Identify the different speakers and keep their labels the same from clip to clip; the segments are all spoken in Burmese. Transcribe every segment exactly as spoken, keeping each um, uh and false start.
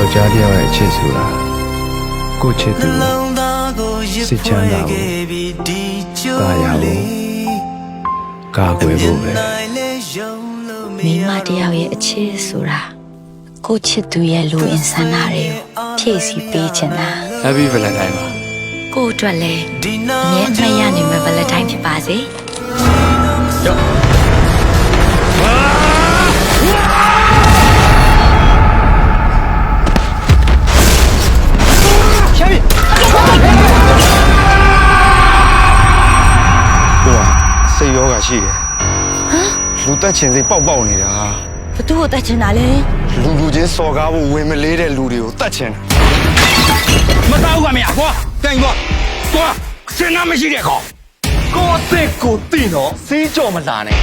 Speaker 1: ယောက်ျားတစ်ယောက်ရဲ့အချစ်ဆိုတာကိုချစ်သူစိတ်ချမ်းသာဖို့ကာရဖို့ကာကွယ်ဖို့ပဲ
Speaker 2: မိမတယောက်ရဲ့အချစ်ဆိုတာကိုချစ်သူရဲ့လူအင်ဆန္ဒတွေကိုဖြည့်ဆည်းပေးချင်တာ
Speaker 1: Happy Valentine ပါ
Speaker 2: ကိုအတွက်လည်းအမြဲအမှတ်ရနိုင်မယ့် Valentine ဖြစ်ပါစေ
Speaker 1: ယောစိတ်ရောဂါရှိတယ်ဟမ်လူတက်ချင်စိတ်ပေါက်ပေါက်နေတာ
Speaker 2: ဘသူ့ကိုတက်ချင်တာလဲ
Speaker 1: လူလူချင်းစော်ကားဖို့ဝင်မလေးတဲ့လူတွေကိုတက်ချင်တာ
Speaker 3: မတောက်ကမရကွာတိုင်ကွာကွာစင်နာမရှိတဲ့ကောင်ကိုအစ်ကိုတင်တော့စီးကြော်မလာနဲ့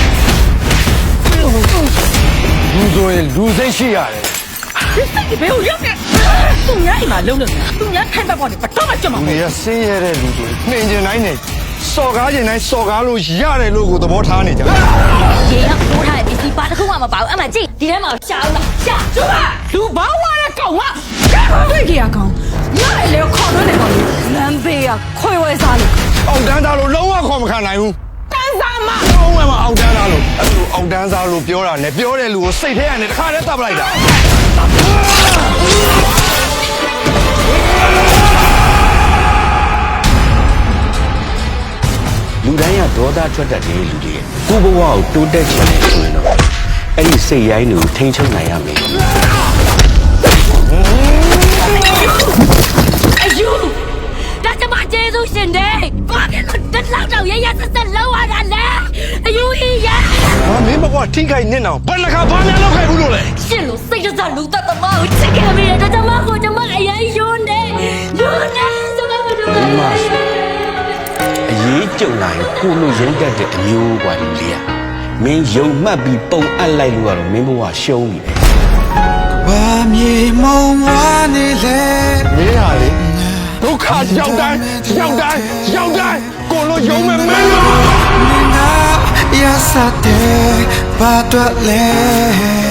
Speaker 1: လူဆိုရင်လူစိတ်ရှိရတယ်
Speaker 4: ဒီစိတ်ဘယ်ကိုရောက်နေသူများအိမ်မှာလုံးလို့သူများထိုင်ပတ်ပေါ်နေဘတော့မှကြွမှာ
Speaker 1: မဟုတ်ဘူး။ဆင်းရဲတဲ့လူတွေနှင်ကျင်တိုင်းနဲ့စော်ကားကျင်တိုင်းစော်ကားလို့ရတယ်လို့ကိုသဘောထားနေကြတယ်
Speaker 2: ။ရေရောက်ထိုးထားတဲ့ပစ္စည်းပါတစ်ခုမှမပါဘူး။အမှကြည့်ဒီထဲမှာရှာအောင်လားရှာ
Speaker 4: ။ကျမလူဘာဝါတဲ့ကောင်ကတွေ့ကြရကောင်။ညလေခေါ်တော့နေကောင်။လမ်းဘေးကခွေဝဲစားလို့
Speaker 1: အောက်တန်းသားလို့လုံးဝခေါ်မခံနိုင်ဘူး
Speaker 4: ။တန်းစားမ
Speaker 1: လုံးဝမအောက်တန်းသားလို့အဲ့လိုအောက်တန်းသားလို့ပြောတာနဲ့ပြောတဲ့လူကိုစိတ်ထဲကနေတစ်ခါတည်းတပ်ပလိုက်တာ
Speaker 3: လူတိုင်းကဒေါသထွက်တတ်တဲ့လူတွေကိုဘဝကိုတိုးတက်ချင်တယ်ဆိုရင်တော့အဲ့ဒီစိတ်ရိုင်းတွေကိုထိန်းချုပ်နိုင်ရမယ်
Speaker 2: အယူဒါကျမကျေးဇူးရှင်တယ်ဘာဖြစ်လို့တက်လောက်တော့ရရဆက်ဆက်လောက်ရတာလဲအယူကြီးရ
Speaker 1: ဟာမင်းဘကွာထိခိုက်နေတော့ဘယ်နှခါဘာများလောက်ခိုက်ဘူးလို့လဲ
Speaker 2: ရှင်လို့စိတ်ကြလူသက်သမားကိုချစ်ခဲ့မိတယ်ဒါကျမကိုကျမအရင်ယွန်းတယ်ယွန်းတယ်ကျမကတို့
Speaker 3: အရေးကြုံလာရင်ကိုလိုရင်းတက်တဲ့အမျိုးกว่าလူလေးอ่ะမင်းယုံမှတ်ပြီးပုံအပ်လိုက်လို့ကတော့မင်းဘဝရှုံးပြီပဲ
Speaker 1: ဘာမြေမုံဝါနေလေမင်းဟာလေဒုက္ခရောက်တိုင်းရောက်တိုင်းရောက်တိုင်းကိုလိုယုံမဲ့မင်းလား
Speaker 5: Ya sa te ba twa le